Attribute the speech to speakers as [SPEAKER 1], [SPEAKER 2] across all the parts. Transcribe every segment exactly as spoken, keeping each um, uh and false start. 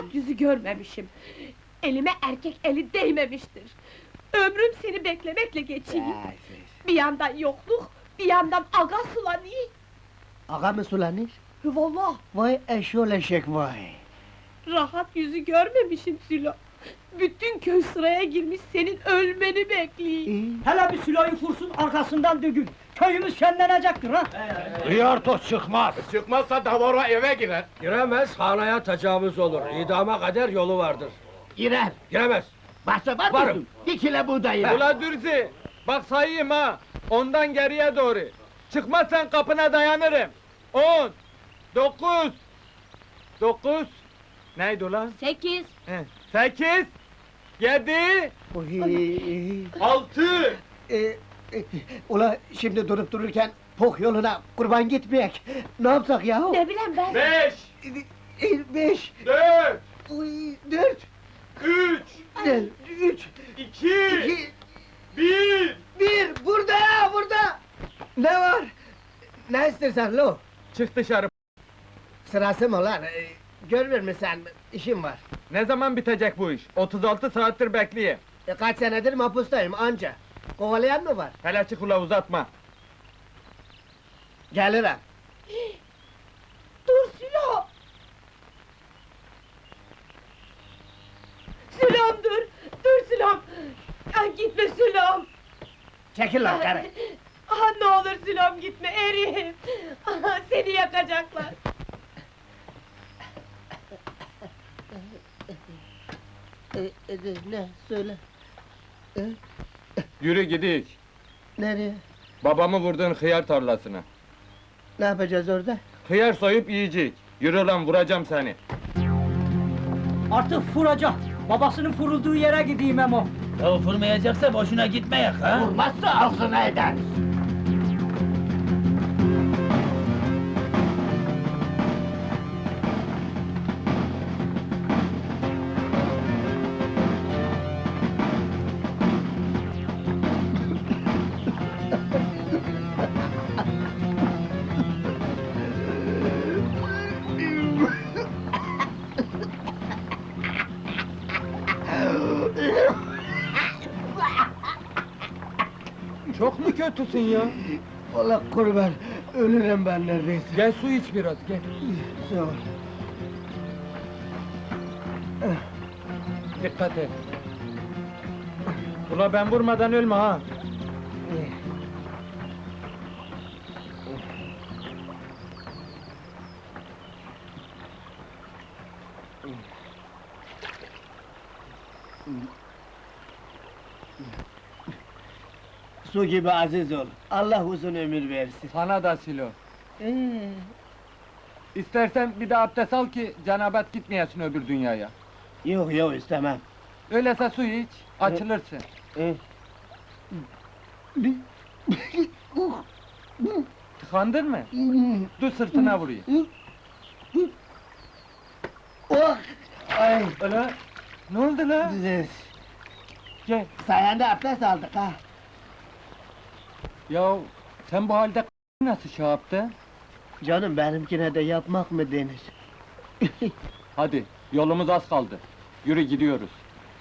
[SPEAKER 1] rahat yüzü görmemişim. Elime erkek eli değmemiştir. Ömrüm seni beklemekle geçiyor. Bir yandan yokluk, bir yandan aga sulanıyor.
[SPEAKER 2] Ağa mı sulanır?
[SPEAKER 1] Vallahi
[SPEAKER 2] Vay eşyol eşek vay!
[SPEAKER 1] rahat yüzü görmemişim Sülo. Bütün köy sıraya girmiş senin ölmeni bekliyor.
[SPEAKER 3] Hele bir silahı vursun, arkasından dökün! Köyümüz şenlenecektir ha!
[SPEAKER 4] Hıyartos çıkmaz!
[SPEAKER 5] Çıkmazsa davara eve girer.
[SPEAKER 6] Giremez, hanaya tecavüz olur. İdama kadar yolu vardır.
[SPEAKER 2] Girer!
[SPEAKER 6] Giremez.
[SPEAKER 2] Başta var
[SPEAKER 6] Varım.
[SPEAKER 2] mısın? Bir kile buğdayı!
[SPEAKER 5] Ula Dürzi, bak sayayım ha. Ondan geriye doğru. Çıkmazsan kapına dayanırım. On, dokuz, dokuz. Neydi ulan?
[SPEAKER 1] Sekiz.
[SPEAKER 5] He, sekiz, yedi,
[SPEAKER 2] Oy!
[SPEAKER 5] altı.
[SPEAKER 2] Ee, e, ula şimdi durup dururken pok yoluna kurban gitmeyek! Ne yapsak yahu?
[SPEAKER 1] Ne bileyim ben.
[SPEAKER 5] Beş,
[SPEAKER 2] Ee, Beş!
[SPEAKER 5] dört,
[SPEAKER 2] Oy, dört!
[SPEAKER 5] üç,
[SPEAKER 2] Gel, üç!
[SPEAKER 5] iki,
[SPEAKER 2] İki!
[SPEAKER 5] bir.
[SPEAKER 2] Bir! Burada ya, burada! Ne var? Ne istersen lo?
[SPEAKER 5] Çık dışarı.
[SPEAKER 2] Sırası mı lan? Ee, görmüyor musun sen? İşim var.
[SPEAKER 5] Ne zaman bitecek bu iş? otuz altı saattir bekleyeyim.
[SPEAKER 2] E, kaç senedir mahpustayım anca. Kovalayan mı var?
[SPEAKER 5] Hele çık ula uzatma.
[SPEAKER 2] Gelirim.
[SPEAKER 1] Dur Sülo! Sülom dur! Dur Sülom! Ah, gitme Sülom!
[SPEAKER 2] Çekil lan karı!
[SPEAKER 1] Ah, ne olur Sülom gitme, eriyim! Ah, seni yakacaklar!
[SPEAKER 2] E, e, ne? Söyle. E,
[SPEAKER 5] Yürü gidik.
[SPEAKER 2] nereye?
[SPEAKER 5] Babamı vurduğun hıyar tarlasına.
[SPEAKER 2] Ne yapacağız orada?
[SPEAKER 5] Hıyar soyup yiyecek. Yürü lan vuracağım seni.
[SPEAKER 3] Artık vuracak! Babasının vurulduğu yere gideyim Emo!
[SPEAKER 4] Ya vurmayacaksa boşuna gitmeyek ha!
[SPEAKER 2] Vurmazsa ağzına eder!
[SPEAKER 5] Çok mu kötüsün ya?
[SPEAKER 2] Allah kurban, ölürüm ben neredeyse.
[SPEAKER 5] Gel su iç biraz gel.
[SPEAKER 2] Sağ ol.
[SPEAKER 5] Dikkat et. Ula ben vurmadan ölme ha.
[SPEAKER 2] Su gibi aziz ol. Allah uzun ömür versin.
[SPEAKER 5] Sana da Silo.
[SPEAKER 2] Ee,
[SPEAKER 5] İstersen bir de abdest al ki cenabet gitmeyesin öbür dünyaya.
[SPEAKER 2] yok yok istemem.
[SPEAKER 5] Öyleyse su iç, açılırsın.
[SPEAKER 2] Ee,
[SPEAKER 5] Tıkandın mı? Dur sırtına vurayım.
[SPEAKER 2] oh! Ay!
[SPEAKER 5] Öyle. Ne oldu la? Gel.
[SPEAKER 2] Sayende abdest aldık ha.
[SPEAKER 5] Ya sen bu halde nasıl şey yaptın?
[SPEAKER 2] Canım benimkine de yapmak mı denir?
[SPEAKER 5] Hadi, yolumuz az kaldı. Yürü gidiyoruz.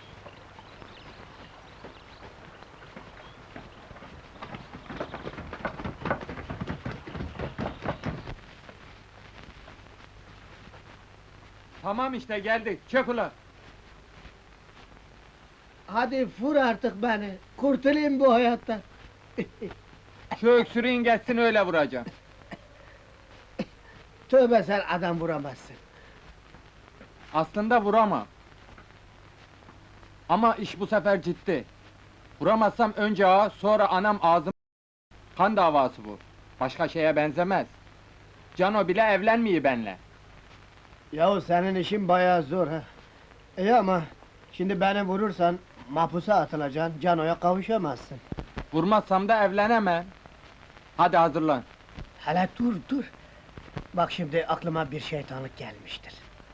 [SPEAKER 5] Tamam işte geldik, çök ula!
[SPEAKER 2] Hadi vur artık beni, kurtulayım bu hayattan.
[SPEAKER 5] Şu öksürüğün geçsin öyle vuracağım.
[SPEAKER 2] Tövbe sen adam vuramazsın.
[SPEAKER 5] Aslında vuramam. Ama iş bu sefer ciddi. Vuramazsam önce ağa, sonra anam ağzım... Kan davası bu. Başka şeye benzemez. Cano bile evlenmiyor benle.
[SPEAKER 2] Yahu senin işin bayağı zor ha. İyi ama şimdi beni vurursan mahpusa atılacaksın, Cano'ya kavuşamazsın.
[SPEAKER 5] Vurmazsam da evlenemem. Hadi hazırlan.
[SPEAKER 2] Hele dur dur. Bak şimdi aklıma bir şeytanlık gelmiştir.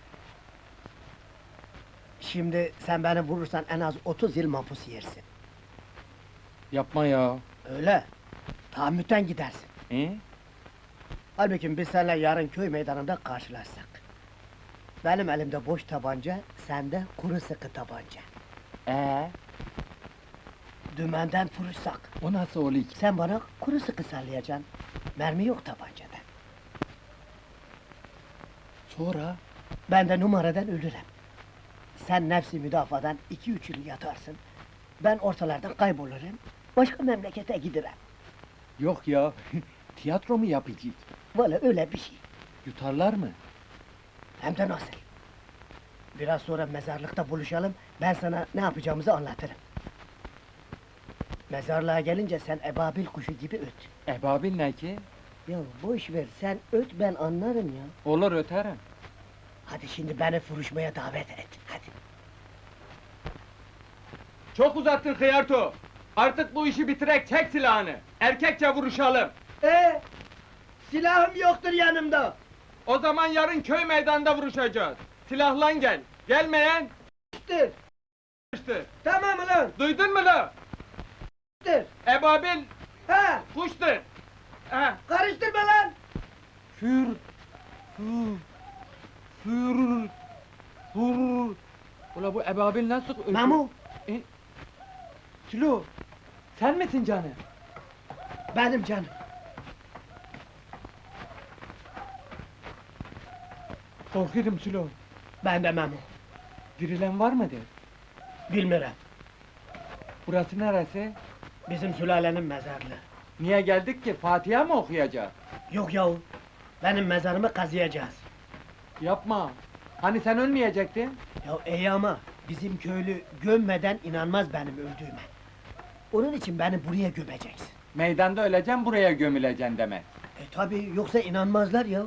[SPEAKER 2] Şimdi sen beni vurursan en az otuz yıl mahpus yersin.
[SPEAKER 5] Yapma ya.
[SPEAKER 2] Öyle. Tahammüten gidersin.
[SPEAKER 5] E?
[SPEAKER 2] Halbuki biz seninle yarın köy meydanında karşılaşsak. Benim elimde boş tabanca, sende kuru sıkı tabanca.
[SPEAKER 5] Ee,
[SPEAKER 2] Dümenden vurursak,
[SPEAKER 5] o nasıl oluyor?
[SPEAKER 2] sen bana kuru sıkı sallayacaksın. Mermi yok tabancada.
[SPEAKER 5] Sonra?
[SPEAKER 2] Ben de numaradan ölürüm. Sen nefsi müdafadan iki üç yıl yatarsın. Ben ortalardan kaybolurum, başka memlekete giderim.
[SPEAKER 5] Yok ya, tiyatro mu yapacağız?
[SPEAKER 2] Valla öyle bir şey.
[SPEAKER 5] Yutarlar mı?
[SPEAKER 2] Hem de nasıl? Biraz sonra mezarlıkta buluşalım, ben sana ne yapacağımızı anlatırım. Mezarlığa gelince sen ebabil kuşu gibi öt.
[SPEAKER 5] Ebabil ne ki?
[SPEAKER 2] Ya boş ver, sen öt ben anlarım ya.
[SPEAKER 5] Olur öterim.
[SPEAKER 2] Hadi şimdi beni vuruşmaya davet et, hadi.
[SPEAKER 5] Çok uzattın Hıyarto! Artık bu işi bitirek, çek silahını! Erkekçe vuruşalım!
[SPEAKER 2] Ee, silahım yoktur yanımda.
[SPEAKER 5] O zaman yarın köy meydanında vuruşacağız! Silahlan gel! Gelmeyen...
[SPEAKER 2] İşte,
[SPEAKER 5] ...işte!
[SPEAKER 2] tamam ulan,
[SPEAKER 5] Duydun mu la?
[SPEAKER 2] işte.
[SPEAKER 5] Ebabil
[SPEAKER 2] Ha,
[SPEAKER 5] kuştur! Ha.
[SPEAKER 2] karıştırma lan.
[SPEAKER 5] Für... Für... Für... Für... Ula bu ebabil nasıl ötüyor?
[SPEAKER 2] Memo,
[SPEAKER 5] Sülo! Sen misin canım?
[SPEAKER 2] benim canım.
[SPEAKER 5] Korkuyorum Sülo!
[SPEAKER 2] Ben de Memo,
[SPEAKER 5] Dirilen var mıdır?
[SPEAKER 2] bilmirem.
[SPEAKER 5] Burası neresi?
[SPEAKER 2] Bizim sülalenin mezarlığı.
[SPEAKER 5] Niye geldik ki? Fatiha mı okuyacağız?
[SPEAKER 2] Yok yahu, benim mezarımı kazıyacağız.
[SPEAKER 5] Yapma! Hani sen ölmeyecektin?
[SPEAKER 2] Ya iyi ama bizim köylü gömmeden inanmaz benim öldüğüme. Onun için beni buraya gömeceksin.
[SPEAKER 5] Meydanda öleceğim, buraya gömüleceksin demek.
[SPEAKER 2] E tabi yoksa inanmazlar ya.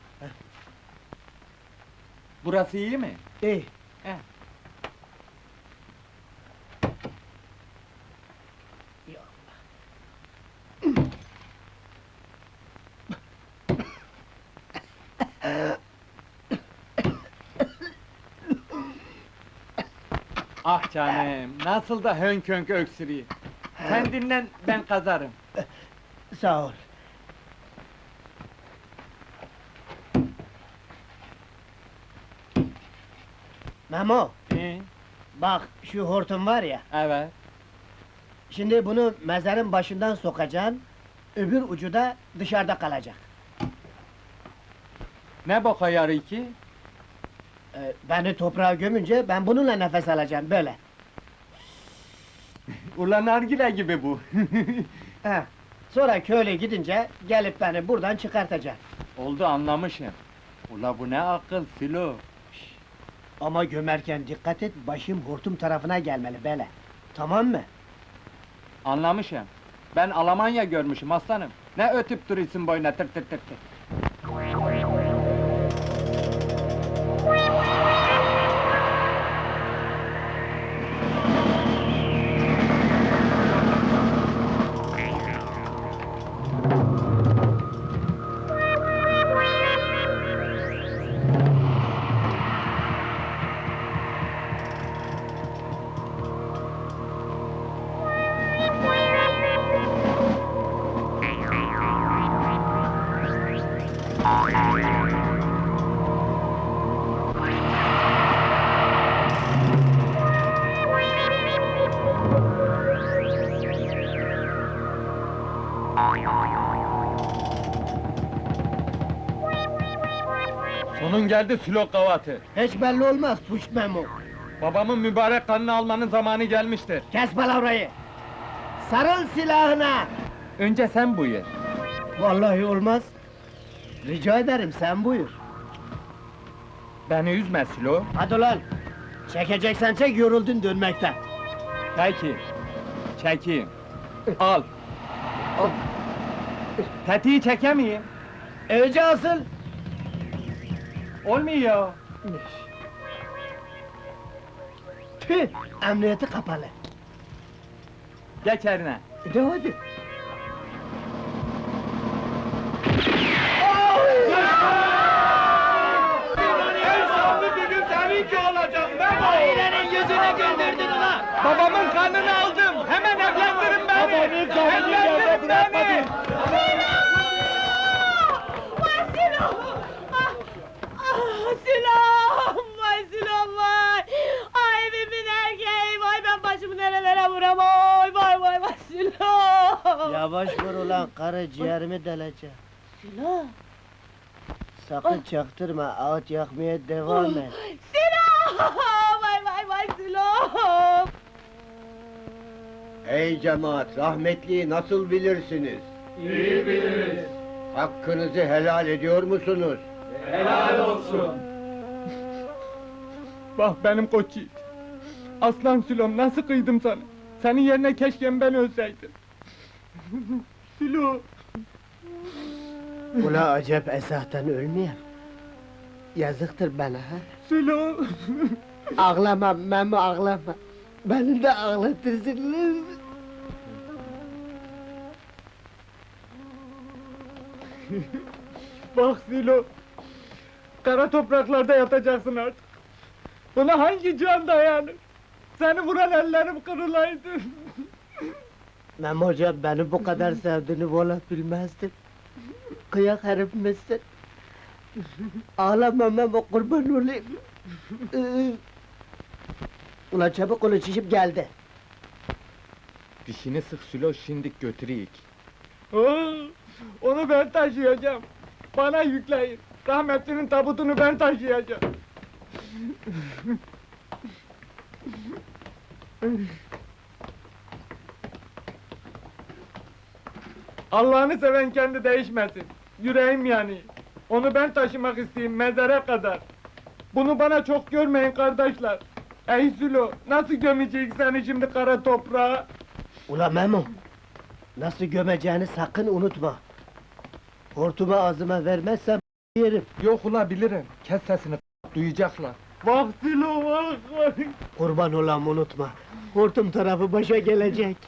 [SPEAKER 5] Burası iyi mi?
[SPEAKER 2] İyi.
[SPEAKER 5] He.
[SPEAKER 2] Ya
[SPEAKER 5] Ah canım, nasıl da hönk hönk öksürüyor. Sen dinlen, ben kazarım.
[SPEAKER 2] sağ ol. Memo,
[SPEAKER 5] Ee,
[SPEAKER 2] bak şu hortum var ya,
[SPEAKER 5] evet.
[SPEAKER 2] şimdi bunu mezarın başından sokacaksın, öbür ucu da dışarıda kalacak.
[SPEAKER 5] Ne boka yarı ki?
[SPEAKER 2] Ee, beni toprağa gömünce ben bununla nefes alacağım, böyle.
[SPEAKER 5] Ulan nargile gibi bu.
[SPEAKER 2] He. Sonra köyle gidince gelip beni buradan çıkartacaksın.
[SPEAKER 5] Oldu, anlamışım. Ula bu ne akıl Filo.
[SPEAKER 2] Ama gömerken dikkat et, başım hortum tarafına gelmeli, böyle. Tamam mı?
[SPEAKER 5] Anlamışım. Ben Almanya görmüşüm aslanım. Ne ötüp duruyorsun boyuna tır tır tır tır. Sonun geldi Sülok Gavatı.
[SPEAKER 2] Hiç belli olmaz, puş Memo.
[SPEAKER 5] Babamın mübarek kanını almanın zamanı gelmiştir.
[SPEAKER 2] Kes palavrayı! Sarıl silahına!
[SPEAKER 5] Önce sen buyur.
[SPEAKER 2] Vallahi olmaz. Rica ederim, sen buyur.
[SPEAKER 5] Beni üzme Sülo.
[SPEAKER 2] Hadi ulan! Çekeceksen çek, yoruldun dönmekten.
[SPEAKER 5] Peki. Çekeyim. Al. Al. Tetiği çekemeyeyim.
[SPEAKER 2] Önce asıl!
[SPEAKER 5] Olmuyor.
[SPEAKER 2] Tüh! Emniyeti kapalı.
[SPEAKER 5] Geç eline.
[SPEAKER 2] De hadi! Ailenin yüzüne güldürdün ulan!
[SPEAKER 5] Babamın kanını aldım. Hemen evlendirin beni.
[SPEAKER 2] Babanın kanını
[SPEAKER 5] Evlendirin
[SPEAKER 2] yerde bırakmadın.
[SPEAKER 5] beni.
[SPEAKER 1] Ah, Sinan! Ah! Ah, Sinan! vuram, oy vay vay vay Sülo!
[SPEAKER 2] Yavaş vur ulan karı, ciğerimi deleceğim.
[SPEAKER 1] Sülo!
[SPEAKER 2] Sakın çaktırma, ağıt yakmaya devam et.
[SPEAKER 1] Sülo! Vay vay vay Sülo!
[SPEAKER 7] Ey cemaat, rahmetliyi nasıl bilirsiniz?
[SPEAKER 5] İyi biliriz.
[SPEAKER 7] Hakkınızı helal ediyor musunuz?
[SPEAKER 5] Helal olsun. Bak benim koç yiğit. Aslan Sülom, nasıl kıydım sana? Senin yerine keşke ben ölseydim. Sülo!
[SPEAKER 2] Ula acep esahtan ölmeyeyim. Yazıktır bana ha.
[SPEAKER 5] Sülo!
[SPEAKER 2] Ağlama Memo, ağlama. Beni de ağlatırsınız.
[SPEAKER 5] Bak Sülo! Kara topraklarda yatacaksın artık. Buna hangi can dayanır? Seni vuran ellerim kırılaydı.
[SPEAKER 2] Memo hocam, beni bu kadar sevdiğini valla bilmezdim. Kıyak herif misin? Ağlama Memo, kurban olayım. Ee, Ulan çabuk ol, şişip geldi.
[SPEAKER 5] Dişini sık Sülo, şimdik götüreyik. Oo, onu ben taşıyacağım. Bana yükleyin. Rahmetlinin tabutunu ben taşıyacağım. Allah'ını seven kendi değişmesin. Yüreğim yani. Onu ben taşımak isteyeyim mezara kadar. Bunu bana çok görmeyin kardeşler. Ey Sülo, nasıl gömecek seni şimdi kara toprağa?
[SPEAKER 2] Ula Memo, nasıl gömeceğini sakın unutma. Hortumu ağzıma vermezsem yerim.
[SPEAKER 5] Yok ula bilirim. Kes sesini, duyacaklar. Bak Sülo, bak bak.
[SPEAKER 2] Kurban olam, unutma. Hortum tarafı başa gelecek.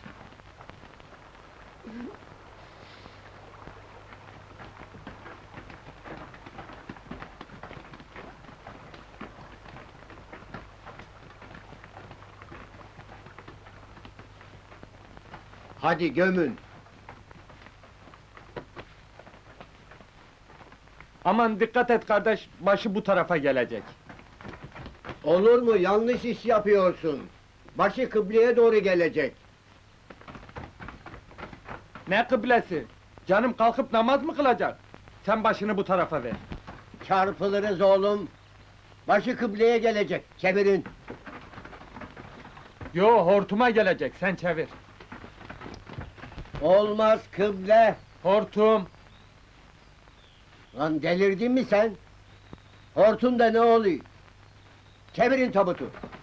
[SPEAKER 7] Hadi gömün.
[SPEAKER 5] Aman dikkat et kardeş, başı bu tarafa gelecek.
[SPEAKER 7] Olur mu? Yanlış iş yapıyorsun. Başı kıbleye doğru gelecek.
[SPEAKER 5] Ne kıblesi? Canım kalkıp namaz mı kılacak? Sen başını bu tarafa ver.
[SPEAKER 7] Çarpılırız oğlum. Başı kıbleye gelecek. Çevirin.
[SPEAKER 5] Yo, hortuma gelecek, sen çevir.
[SPEAKER 7] Olmaz kıble.
[SPEAKER 5] Hortum!
[SPEAKER 7] Lan delirdin mi sen? Hortumda ne oluyor? Çevirin tabutu.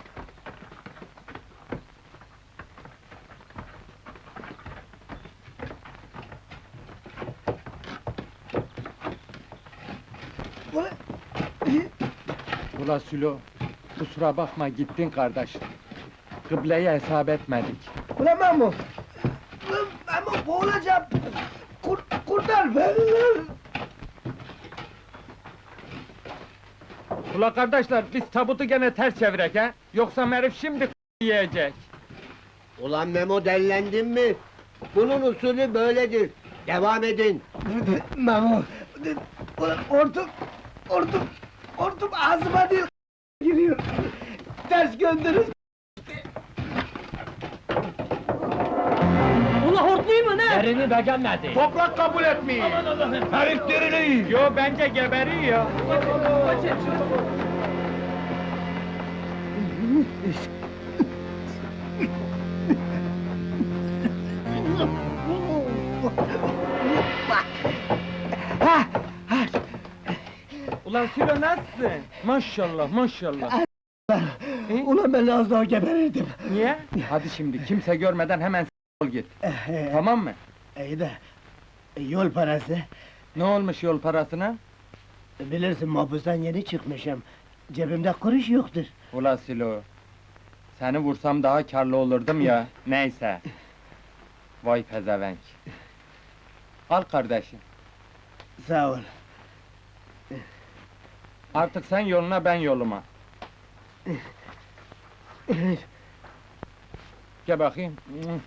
[SPEAKER 5] Ula Sülo, kusura bakma gittin kardeş. Kıbleye hesap etmedik.
[SPEAKER 2] Ulan Memo! Ulan Memo, boğulacağım! Kur, kurtar beni lan!
[SPEAKER 5] Ula kardeşler, biz tabutu gene ters çevirek ha? Yoksa herif şimdi yiyecek.
[SPEAKER 7] Ulan Memo, dellendin mi? Bunun usulü böyledir. Devam edin.
[SPEAKER 2] Memo! Ulan hortum! Hortum! Hortum ağzıma değil giriyor! Ters gönderin!
[SPEAKER 3] Ula hortlayayım mı ne?
[SPEAKER 4] Yerini beğenmedi.
[SPEAKER 5] Toprak kabul etmiyor.
[SPEAKER 4] Aman Allah'ım, herif diriliyor.
[SPEAKER 5] Yo, bence geberiyor. Ulan Sülo nasılsın? Maşallah, maşallah.
[SPEAKER 2] Ulan ben az daha geberirdim!
[SPEAKER 5] Niye? Hadi şimdi, kimse görmeden hemen s**ol git.
[SPEAKER 2] Ee,
[SPEAKER 5] Tamam mı?
[SPEAKER 2] iyi de, yol parası.
[SPEAKER 5] Ne olmuş yol parasına?
[SPEAKER 2] Bilirsin, mahpustan yeni çıkmışım. Cebimde kuruş yoktur.
[SPEAKER 5] Ula Silo, seni vursam daha karlı olurdum ya, neyse. Vay pezevenk. Al kardeşim,
[SPEAKER 2] Sağ ol.
[SPEAKER 5] artık sen yoluna, ben yoluma. Gel bakayım.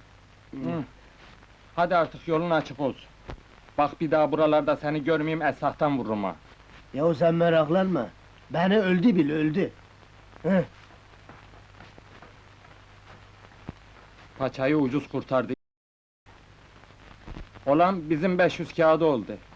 [SPEAKER 5] Hadi artık yolun açık olsun. Bak bir daha buralarda seni görmeyeyim, esahtan vururum ha.
[SPEAKER 2] Yahu sen meraklanma. Beni öldü bil, öldü. Heh.
[SPEAKER 5] Paçayı ucuz kurtardı. Olan bizim beş yüz kağıdı oldu.